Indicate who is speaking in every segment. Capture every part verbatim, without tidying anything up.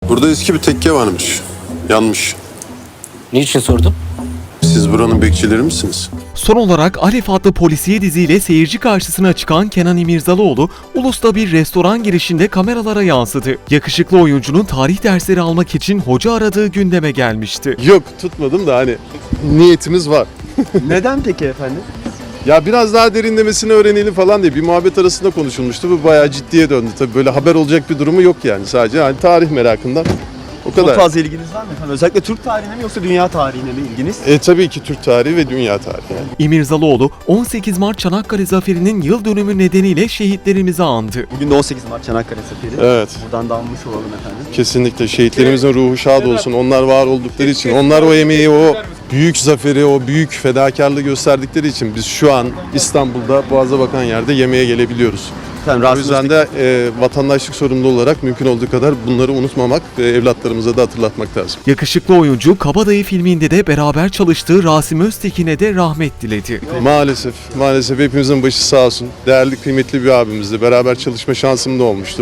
Speaker 1: Burada eski bir tekke varmış. Yanmış.
Speaker 2: Niçin sordun?
Speaker 1: Siz buranın bekçileri misiniz?
Speaker 3: Son olarak Alef adlı polisiye diziyle seyirci karşısına çıkan Kenan İmirzalıoğlu, Ulus'ta bir restoran girişinde kameralara yansıdı. Yakışıklı oyuncunun tarih dersleri almak için hoca aradığı gündeme gelmişti.
Speaker 1: Yok, tutmadım da hani niyetimiz var.
Speaker 4: Neden peki efendim?
Speaker 1: Ya biraz daha derinlemesine öğrenelim falan diye bir muhabbet arasında konuşulmuştu. Bu bayağı ciddiye döndü. Tabii böyle haber olacak bir durumu yok yani. Sadece hani tarih merakından. O kadar.
Speaker 4: Çok fazla ilginiz var mı efendim? Özellikle Türk tarihine mi yoksa dünya tarihine mi ilginiz?
Speaker 1: E tabii ki Türk tarihi ve dünya tarihi. Yani.
Speaker 3: İmirzalıoğlu, on sekiz Mart Çanakkale Zaferi'nin yıl dönümü nedeniyle şehitlerimizi andı.
Speaker 4: Bugün de on sekiz Mart Çanakkale Zaferi.
Speaker 1: Evet.
Speaker 4: Buradan da almış olalım efendim.
Speaker 1: Kesinlikle şehitlerimizin ruhu şad olsun. Onlar var oldukları için, onlar o emeği, o büyük zaferi, o büyük fedakarlığı gösterdikleri için biz şu an İstanbul'da Boğaz'a bakan yerde yemeğe gelebiliyoruz.
Speaker 4: Efendim,
Speaker 1: O
Speaker 4: Rasim
Speaker 1: yüzden
Speaker 4: Öztürk-
Speaker 1: de e, vatandaşlık sorumlu olarak mümkün olduğu kadar bunları unutmamak ve evlatlarımıza da hatırlatmak lazım.
Speaker 3: Yakışıklı oyuncu, Kabadayı filminde de beraber çalıştığı Rasim Öztekin'e de rahmet diledi.
Speaker 1: Maalesef, maalesef hepimizin başı sağ olsun. Değerli, kıymetli bir abimizdi. Beraber çalışma şansım da olmuştu.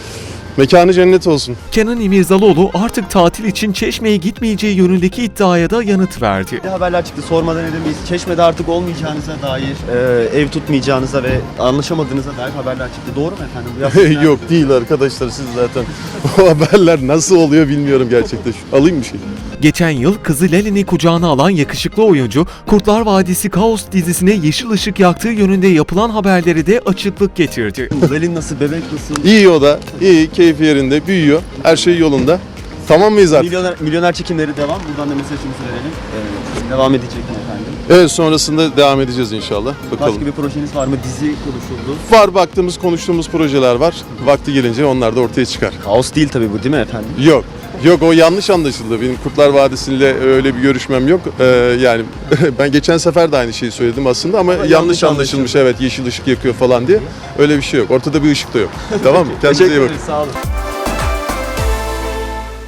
Speaker 1: Mekanı cennet olsun.
Speaker 3: Kenan İmirzalıoğlu artık tatil için Çeşme'ye gitmeyeceği yönündeki iddiaya da yanıt verdi.
Speaker 4: Ne haberler çıktı sormadan edemeyiz. Çeşme'de artık olmayacağınıza dair, e, ev tutmayacağınıza ve anlaşamadığınıza dair haberler çıktı. Doğru mu efendim? Biraz
Speaker 1: Yok değil arkadaşlar, siz zaten o haberler nasıl oluyor bilmiyorum gerçekten. Şu- Alayım bir şey.
Speaker 3: Geçen yıl kızı Lelin'i kucağına alan yakışıklı oyuncu, Kurtlar Vadisi Kaos dizisine yeşil ışık yaktığı yönünde yapılan haberleri de açıklık getirdi.
Speaker 4: Lelin nasıl, bebek nasıl?
Speaker 1: İyi o da, iyi, keyfi yerinde, büyüyor. Her şey yolunda. Tamam mıyız artık?
Speaker 4: Milyoner, milyoner çekimleri devam. Buradan da mesajımızı verelim. Ee, devam edecek mi efendim?
Speaker 1: Evet, sonrasında devam edeceğiz inşallah. Bakalım.
Speaker 4: Başka bir projeniz var mı? Dizi konuşuldu.
Speaker 1: Var, baktığımız, konuştuğumuz projeler var. Vakti gelince onlar da ortaya çıkar.
Speaker 4: Kaos değil tabii bu, değil mi efendim?
Speaker 1: Yok. Yok, o yanlış anlaşıldı. Benim Kurtlar Vadisi'yle öyle bir görüşmem yok. Ee, yani ben geçen sefer de aynı şeyi söyledim aslında ama, yanlış,
Speaker 4: yanlış
Speaker 1: anlaşılmış. Evet, yeşil ışık yakıyor falan diye. Öyle bir şey yok. Ortada bir ışık da yok. Tamam mı? Kendinize iyi
Speaker 4: Teşekkür
Speaker 1: bakın.
Speaker 4: ederiz. Sağ olun.